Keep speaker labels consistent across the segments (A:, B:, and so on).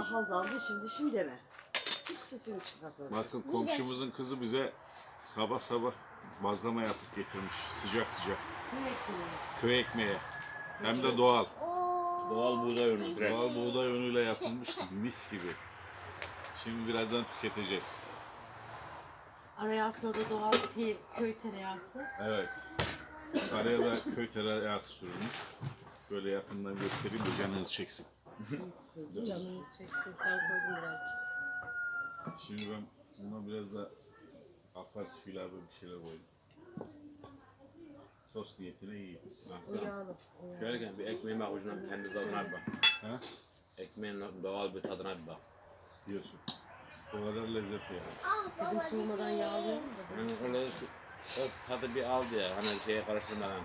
A: Hazal dişim deme. Hiç sesini çıkartma.
B: Bakın komşumuzun kızı bize sabah sabah bazlama yapıp getirmiş. Sıcak sıcak.
A: Köy ekmeği.
B: Köy ekmeği. Hem de doğal.
C: Doğal buğday unu. Direkt.
B: Doğal buğday unuyla yapılmış mis gibi. Şimdi birazdan tüketeceğiz.
A: Araya aslında da doğal köy tereyağısı.
B: Evet. Araya da köy tereyağısı sürülmüş. Şöyle yakından göstereyim de canınız çeksin.
A: Canınız çeksin. Ben koydum birazcık.
B: Şimdi ben buna biraz da aparatif ilave bir şeyler koydum. Sos niyetine iyi.
A: Yağlı.
C: Şöyle gel bir ekmeğin bak ucundan kendi tadına bir bak.
B: Ha?
C: Ekmeğin doğal bir tadına bir bak.
B: Diyorsun. O kadar lezzetli yani.
A: Dedim soğumadan yağlıyorum da.
C: Yani şöyle o tadı bir aldı ya hani şeye karıştırmadan.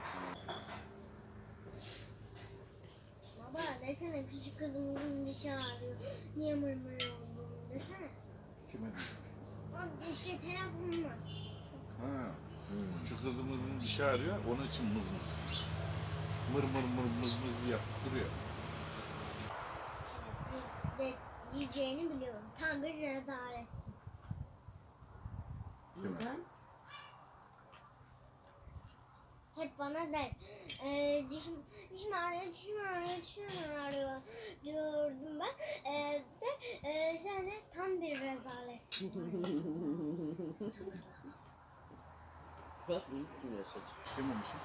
D: Baba desene küçük kızımın dişi ağrıyor. Niye mırmır oldu desene.
B: Kime diyor?
D: O işte telefonla.
B: Ha. Şu kızımızın dişi ağrıyor, onun için mızmız. Mır mır mır mız mız yapıp duruyor.
D: Evet, diyeceğini biliyorum. Tam bir rezaletsin.
A: Neden?
D: Hep bana der, dişim ağrıyor diyordum ben. Sen de tam bir rezaletsin.
A: Bak iyisin yaşadık.
B: Yememişim.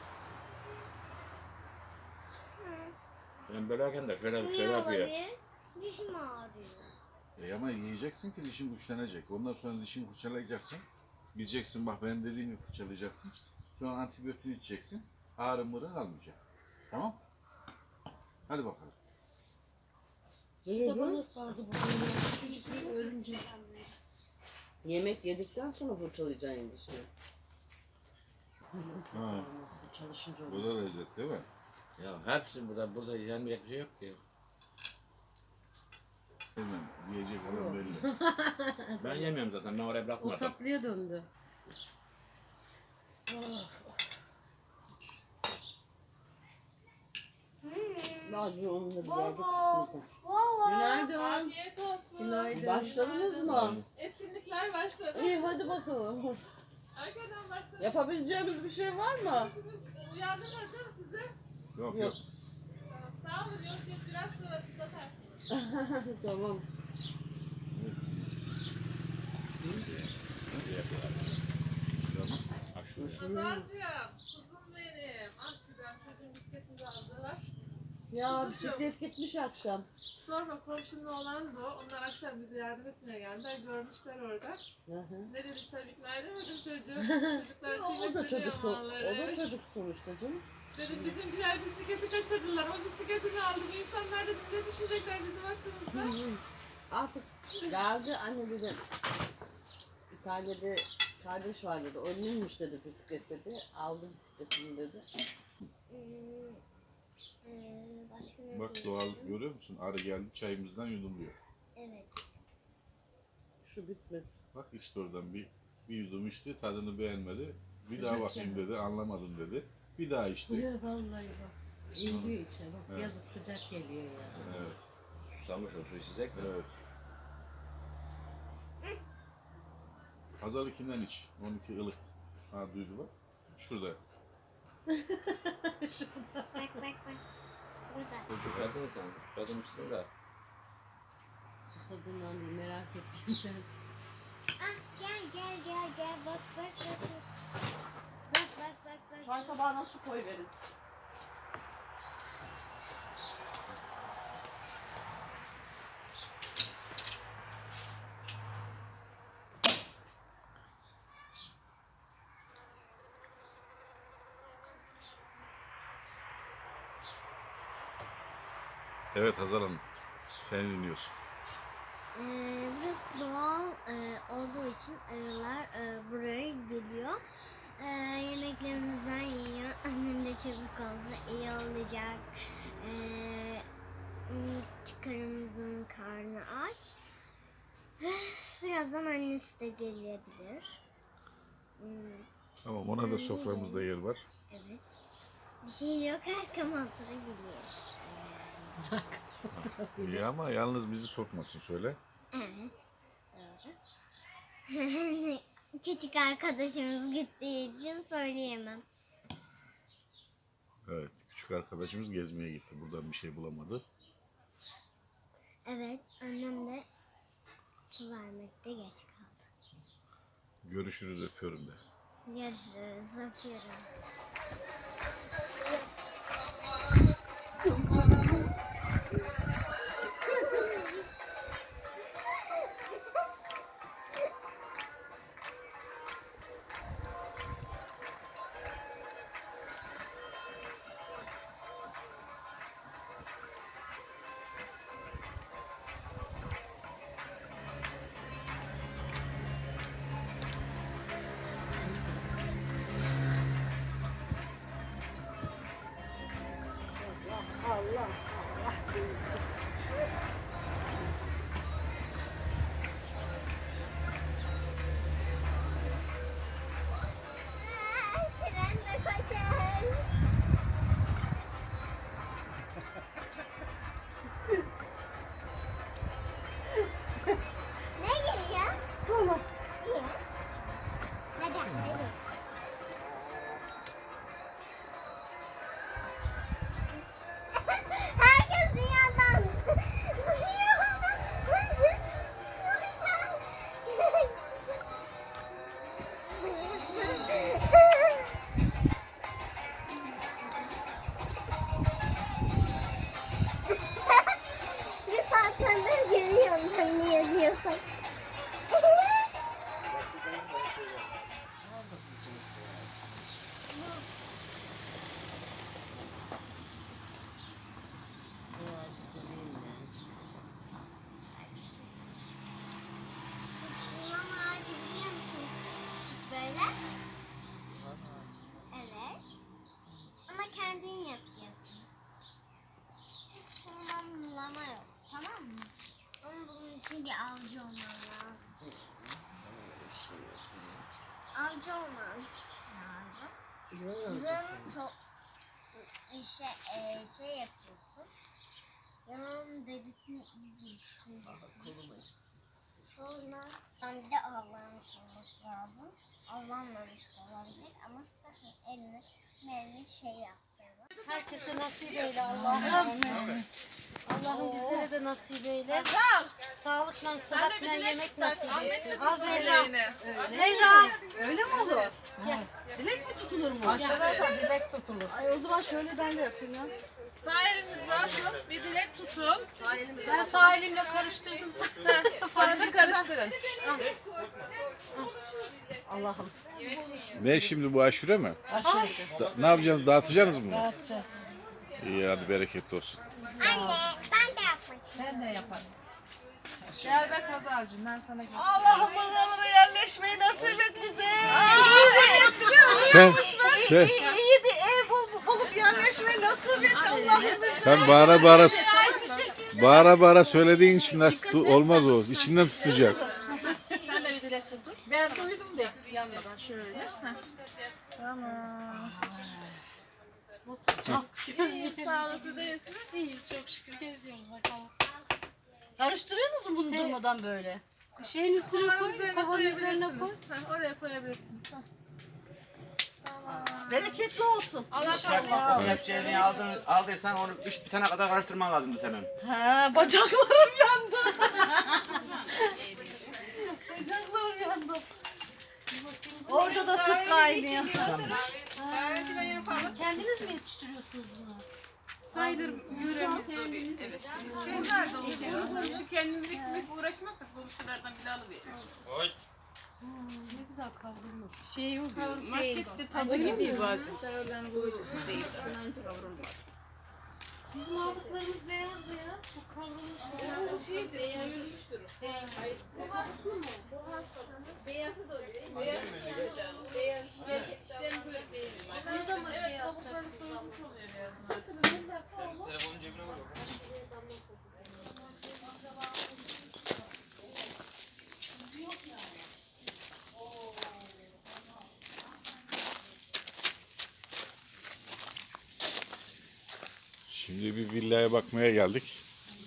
C: Ben böyleyken de şöyle
D: Niye
C: yapıyor.
D: olabilir? Dişim ağrıyor.
B: Ama yiyeceksin ki dişin güçlenecek. Ondan sonra dişini fırçalayacaksın. Gideceksin bak benim dediğimi fırçalayacaksın. Sonra antibiyotik içeceksin. Ağrı mırı kalmayacak. Tamam? Hadi bakalım.
A: İşte bana sardı bu dünya. Küçücük bir örümcek. Yemek yedikten sonra fırçalayacaksın dişini.
B: Ha.
A: Çalışınca
B: Bu
A: olur.
B: da lezzet değil mi?
C: Ya hepsi burada yenmeyecek bir şey yok ki.
B: Hemen yiyecek olan belli.
C: Ben yemiyorum zaten ben oraya
A: O
C: bırakmadım.
A: tatlıya döndü. Bazı onu da güzel bir kısmı. Günaydın.
E: Afiyet olsun.
A: Günaydın. Başladınız mı?
E: Etkinlikler başladı.
A: İyi hadi bakalım.
E: Arkadan baksana.
A: Yapabileceğimiz bir şey var mı?
E: Hepimiz uyandırmadı değil mi sizi?
B: Yok
A: Yok.
B: yok.
E: Tamam, sağ olun. Yok biraz sonra tuz atarsınız.
A: Tamam.
E: Pazarcığım, kuzum benim. Ah güzel çocuğun bisikletini aldılar.
A: Ya
E: Kızım.
A: bisiklet gitmiş akşam.
E: Sorma komşunun oğlan bu. Onlar akşam bize yardım etmeye geldiler. Görmüşler orada.
A: Hı hı.
E: Ne dedi sen ikna edemedim çocuğu. Çocuklar
A: O da çocuk, o
E: malları.
A: da çocuk sonuçta canım.
E: Dedim bizimkiler bisikleti kaçırdılar. O bisikletini aldım. İnsanlar dedim ne düşünecekler bizim hakkımızda.
A: Artık geldi anne dedi. Bir tane de kardeş var dedi. Önlüymüş dedi bisiklet dedi. Aldı bisikletini dedi.
D: Başka ne
B: Bak
D: diyeyim?
B: doğal görüyor musun? Arı geldi çayımızdan yudumluyor.
D: Evet.
A: Şu bitmedi.
B: Bak işte oradan bir yudum içti, tadını beğenmedi. Bir
A: Sıcak
B: daha bakayım dedi, anlamadım dedi. Bir daha içti.
F: Ya vallahi bak. Eğiliyor içe bak.
B: Evet.
F: Yazık sıcak geliyor ya.
B: Evet,
C: Susamış o su içecek mi?
B: evet. Pazardakinden iç. 12 ılık. Ha duydu bak. Şurada.
D: Bak. Burada.
C: Susadın sen. Susamışsın da.
F: Susadığından değil merak ettiğimden.
D: Ah gel. Bak. Bak.
A: Çay tabağına su koy verin.
B: Evet Hazal Hanım. Seni dinliyorsun.
D: Burası doğal olduğu için arılar buraya geliyor. Yemeklerimizden yiyor. Annem de çabuk olsa iyi olacak. Çıkarımızın karnı aç. Birazdan annesi de gelebilir.
B: Tamam ona da soframızda yer var.
D: Evet. Bir şey yok arkama oturabilir.
B: İyi ama yalnız bizi sokmasın söyle.
D: Evet. Küçük arkadaşımız gittiği için söyleyemem.
B: Evet, küçük arkadaşımız gezmeye gitti. Buradan bir şey bulamadı.
D: Evet, annem de su vermekte geç kaldı.
B: Görüşürüz, öpüyorum de.
D: Görüşürüz, öpüyorum. Tren de koşar. Ne geliyor? Tamam. İyi. Neden? Neden? Herkes dünyadan vuruyor bana. Bir saatlerdir gülüyorum ben niye diyorsun.
A: Su ağacı dediğin ne?
D: Şundan ağacı biliyor musun? Küçük küçük böyle.
A: Yılan ağacı.
D: Evet. Ama kendin yapıyorsun. Hiç kullanılama yok. Tamam mı? Ama bunun için bir avcı olman lazım.
A: Öyle bir şey yok.
D: Avcı olman lazım.
A: Yılan ağacı.
D: Yılanın çok şey yapıyorsun. Yılanın derisini iyice üstüne.
A: Kolum acıdı.
D: Sonra bir de avlanmış olması lazım. Avlanmamış da olabilir ama sakın elini şey yapmayalım.
F: Herkese nasip eyle Allah'ım. Allah'ım bizlere de nasip eyle. Sağlıkla, sıhhatle yemek nasip etsin. Az Zehra. Zehra.
A: Öyle mi olur? Dilek mi tutulur mu?
F: Aşağıda bilek tutulur.
A: Ay o zaman şöyle ben de yapayım ya.
E: Sağ elinizle açın, bir dilek tutun.
A: Sağ elimize
F: Ben sağ elimle karıştırdım.
E: Sonra da karıştırın.
A: Allah'ım.
B: Ne şimdi bu aşure mi?
A: Aşırı.
B: Ne yapacaksınız? Dağıtacaksınız mı?
F: Dağıtacağız.
B: İyi hadi bereketli olsun.
D: Anne ben de yapmak istiyorum.
F: Sen de yaparım.
E: Gel be Kazarcığım, ben sana göstereyim.
A: Allah'ım buralara yerleşmeyi nasip et bize.
B: Sen
A: İyi bir ev bulup yerleşmeyi nasip et Allah'ım bize.
B: sen bağıra söylediğin için nasıl olmaz o. İçinden tutacak.
E: Sen de bir dilek tutun. Ben duydum da. Yanmadan şöyle. Heh. Tamam. İyi, sağ olun, siz de iyisiniz.
F: İyiyiz çok şükür. Geziyoruz bakalım.
A: Karıştırıyorsunuz mu bunu durmadan böyle?
F: Şeyin üstüne
E: Kovanın
F: koy,
E: üzerine
F: kovanın üzerine koy.
E: koyabilirsiniz. Heh, oraya koyabilirsiniz. Heh.
A: Bereketli olsun.
E: Allah kahretsin.
C: Kepçeyi aldıysan onu iş bitene kadar karıştırman lazımdı senin.
A: Ha, bacaklarım yandı. Bacaklarım yandı. Orada da süt kaynıyor.
F: Kendiniz mi yetiştiriyorsunuz bunu?
E: Sayılır yürüyemiz. Evet. Şeyler de oluyor. Komşu kendimiz ekmek uğraşmazsak komşulardan bile alıveriyoruz.
F: Ne güzel kavrulmuş. Şey yok.
E: Markette tadı gidiyor bazen.
F: Bizim aldıklarımız beyaz beyaz. Bu kavrulmuş. Bu şey beyaz. Bunu da mı şey yapacaksın?
B: Şimdi bir villaya bakmaya geldik.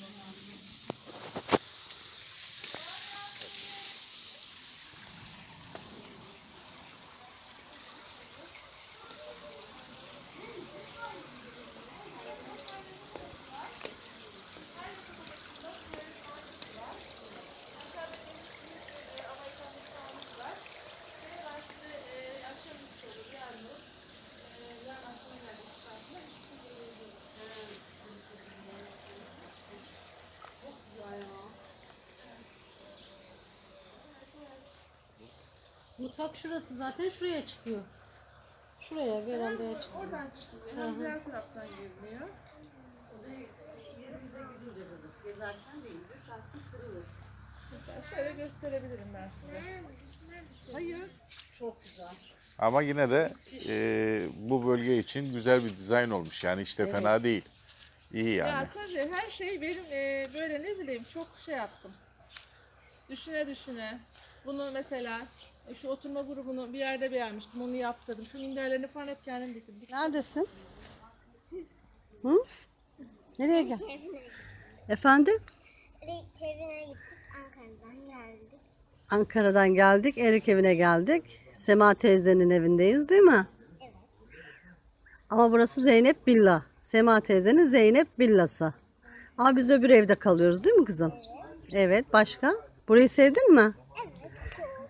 F: Mutfak şurası zaten şuraya çıkıyor. Şuraya verandaya çıkıyor.
E: Oradan çıkılıyor. Hem diğer taraftan giriliyor.
A: Yerimize gidince kızım. Gezerken değil. Düşersin kırılır.
E: Mesela şöyle gösterebilirim ben size.
A: Hayır. Çok güzel.
B: Ama yine de bu bölge için güzel bir dizayn olmuş. Yani işte fena değil. İyi yani.
E: Ya tabii her şey benim böyle ne bileyim çok şey yaptım. Düşüne düşüne. Bunu mesela şu oturma grubunu bir yerde beğenmiştim. Onu yaptırdım. Şu minderlerini falan hep kendim diktim.
A: Neredesin? Hı? Nereye gel? Efendim?
D: Evine gittik. Ankara'dan geldik.
A: Ankara'dan geldik. Erik evine geldik. Sema teyzenin evindeyiz değil mi?
D: Evet.
A: Ama burası Zeynep Villa. Sema teyzenin Zeynep Villası. Ama biz öbür evde kalıyoruz değil mi kızım? Evet. Başka? Burayı sevdin mi?
D: Evet. Çok.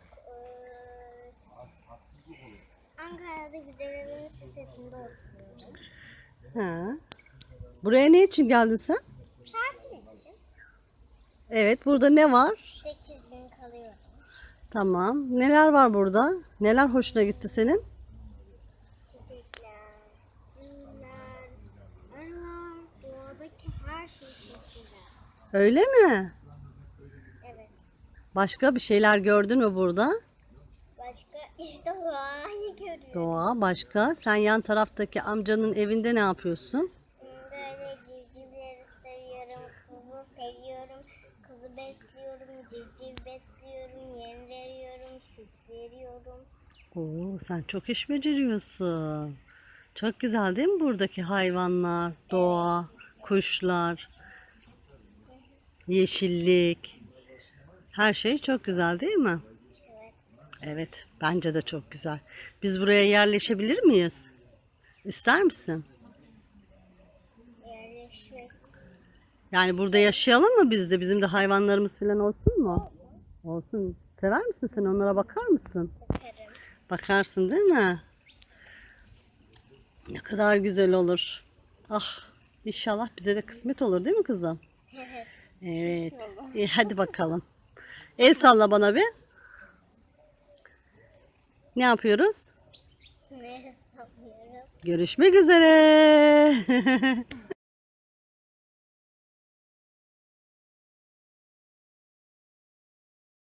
D: Ankara'da dedemin sitesinde oturuyorum.
A: Ha. Buraya ne için geldin sen?
D: Tatil için
A: Evet. Burada ne var?
D: 8 gün kalıyorum.
A: Tamam. Neler var burada? Neler hoşuna gitti senin?
D: Çiçekler, güller, arılar, doğadaki her şey çok güzel.
A: Öyle mi?
D: Evet.
A: Başka bir şeyler gördün mü burada?
D: Başka işte doğayı görüyorum.
A: Doğa. Başka? Sen yan taraftaki amcanın evinde ne yapıyorsun?
D: Böyle civcivleri seviyorum, kuzu seviyorum, kuzu besliyorum, civciv besliyorum, yem veriyorum, süt veriyorum.
A: Oo, sen çok iş beceriyorsun. Çok güzel değil mi buradaki hayvanlar, doğa, kuşlar, yeşillik. Her şey çok güzel değil mi?
D: Evet.
A: Evet, bence de çok güzel. Biz buraya yerleşebilir miyiz? İster misin?
D: Yerleşmek
A: Yani burada yaşayalım mı biz de? Bizim de hayvanlarımız falan olsun mu? Olsun. Sever misin sen? Onlara bakar mısın?
D: bakarım.
A: Bakarsın değil mi? Ne kadar güzel olur. Ah, inşallah bize de kısmet olur değil mi kızım?
D: Evet.
A: Evet. İyi, hadi bakalım. El salla bana bir. Ne yapıyoruz?
D: Ne yapıyoruz?
A: Görüşmek üzere.